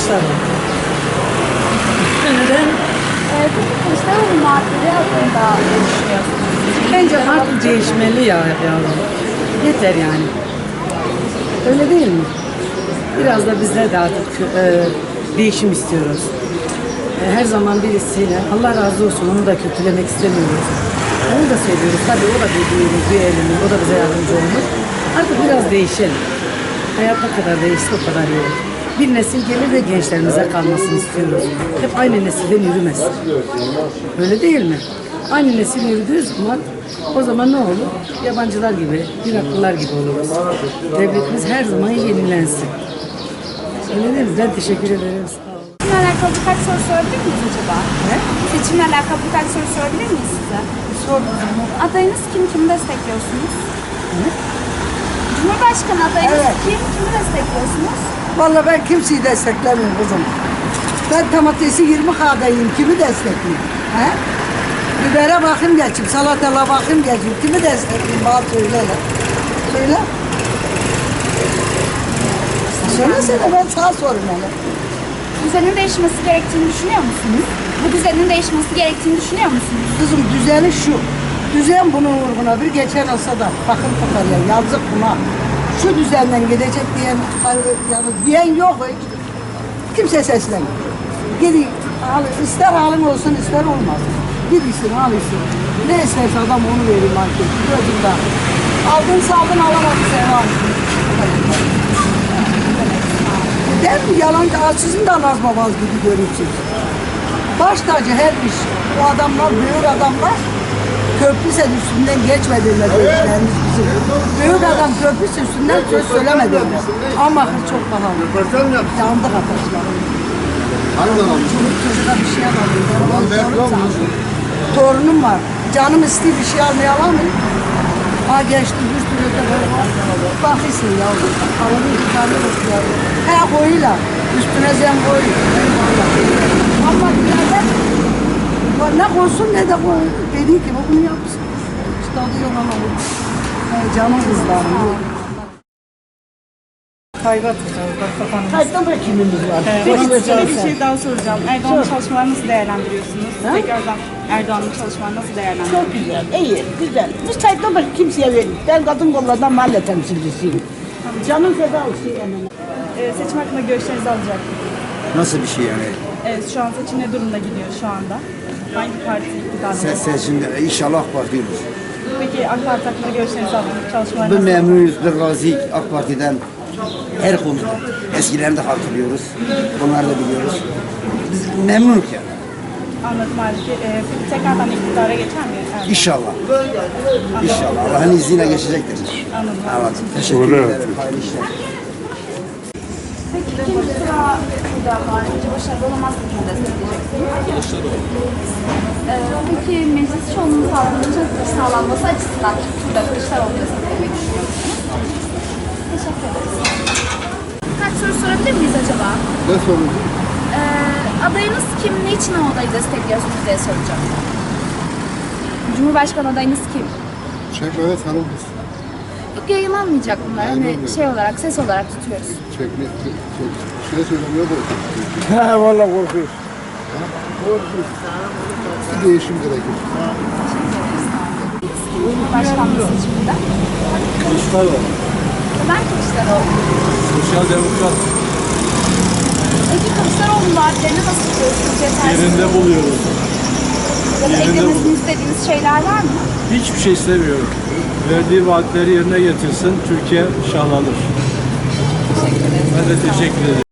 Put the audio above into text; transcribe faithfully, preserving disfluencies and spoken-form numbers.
Kılıçdaroğlu. Neden? Ee, peki Kılıçdaroğlu maddeleri hakkında ne düşünüyorsunuz? Bence artık değişmeli ya yavrum. Yeter yani. Öyle değil mi? Biraz da bizler de artık e, değişim istiyoruz. E, her zaman birisiyle Allah razı olsun onu da kötülemek istemiyoruz. Onu da seviyoruz. Tabii o da bir büyüğümüz, bir elimiz. O da bize yardımcı olmuş. Artık biraz değişelim. Hayat ne kadar değişse o kadar iyi olur. Bir nesil gelir ve gençlerimize kalmasını istiyoruz. Hep aynı nesilden yürümez. Öyle değil mi? Aynı nesil yürüdüğü zaman o zaman ne olur? Yabancılar gibi, Iraklılar gibi oluruz. Devletimiz her zaman yenilensin. Öyle değil mi? Ben teşekkür ederim. Sağ olun. Seçimle alakalı birkaç soru sorabilir miyiz acaba? Ne? Seçimle alakalı birkaç soru sorabilir miyiz size? Sor. Adayınız kim? Kimi destekliyorsunuz? Ne? Cumhurbaşkanı adayınız Evet. kim? Kimi destekliyorsunuz? Vallahi ben kimseyi desteklemiyorum kızım. Ben domatesi yirmi kadayım. Kimi destekleyeyim? He? Bibere bakayım geçeyim, salatala bakayım geçeyim. Kimi destekleyeyim? Bana söyle. hele. Söyle. Söylesene ben sana sorayım hele. Düzenin değişmesi gerektiğini düşünüyor musunuz? Bu düzenin değişmesi gerektiğini düşünüyor musunuz? Kızım düzeni şu. Düzen bunun uğruna bir geçen olsa da bakın tutarlar. Yazık buna. Şu düzenden gidecek diyen, yani diyen yok hiç. Kimse seslenmiyor. Gidin, al, ister alın olsun ister olmaz. Gidiyorsun, alıyorsun. Ne isterse adam onu verir market. Gözünde. Aldın saldın alamadın sen al. Der mi yalancı sizin de Naz Babaz gibi görürsünüz. Baş tacı her iş. O adamlar, büyük adamlar köprü sen üstünden geçmediler büyüklerimiz bizim. Büyük adam köprü üstünden söz söylemediler. Ama çok pahalı. Yandık ataşlar. Çocuk çocuğa bir şey alamıyor. Torunum var. Canım istiyor bir şey almaya alamıyor. Ha geçti bir sürü de böyle bakıyorsun yavrum. Arabayı bir tane bakıyor. He koyuyla. Üstüne zem koyuyor. Ama nerede? Ne koysun ne de koy. Dediği gibi bunu yapsın. İşte adı yok ama bu. He, canım kızlarım. Kayba tutacağız. Bak kafanı. Kayıttan da kimimiz var? Peki size bir şey daha soracağım. Erdoğan'ın çalışmalarını nasıl değerlendiriyorsunuz? Tekrardan Erdoğan'ın çalışmalarını nasıl değerlendiriyorsunuz? Çok güzel, iyi, güzel. Biz kayıttan başka kimseye verdik. Ben kadın kollardan mahalle temsilcisiyim. Canım feda olsun yani. Ee, seçim hakkında görüşlerinizi alacak. Nasıl bir şey yani? Evet, şu an seçim ne durumda gidiyor şu anda? Hangi parti iktidarda? Ses seçimde inşallah AK Parti olur. Peki AK Parti hakkında görüşlerinizi alalım. Çalışmalarını Biz nasıl? memnunuz, biz razıyız AK Parti'den her konuda. Eskilerini de hatırlıyoruz, bunları da biliyoruz. Biz memnunuz yani. Anladım abi. Ee, peki tekrardan iktidara geçer mi? Erdoğan? İnşallah. İnşallah. Allah'ın izniyle geçecektir. Anladım. Anladım. Teşekkür ederim. Hayırlı işler. Peki kim sıra burada var? Önce başarılı olamaz mı? Kimi destekleyeceksiniz? Ee, peki meclis çoğunluğu sağlanması, sağlanması açısından burada Kılıçdaroğlu desteklemeyi düşünüyor musunuz? Teşekkür ederiz. Kaç soru sorabilir miyiz acaba? Ne sorun? Ee, adayınız kim? Niçin o adayı destekliyorsunuz diye soracağım. Cumhurbaşkanı adayınız kim? Çekmede tanımız. Yok yayınlanmayacak bunlar. Hani Yayınlanmıyor. şey olarak, ses olarak tutuyoruz. Çekme, çek, şey söylemiyor da. He valla korkuyor. Bir değişim gerekir. Cumhurbaşkanlığı seçiminde. Kılıçdaroğlu. Neden Kılıçdaroğlu? Sosyal demokrat. Peki Kılıçdaroğlu vaatlerini nasıl buluyorsunuz? Yetersiz Yerinde buluyoruz. ya da yerinde eklemesini buluyor. istediğiniz şeyler var mı? Hiçbir şey istemiyorum. Verdiği vaatleri yerine getirsin, Türkiye şahlanır. Teşekkür ederim. Ben de teşekkür ederim.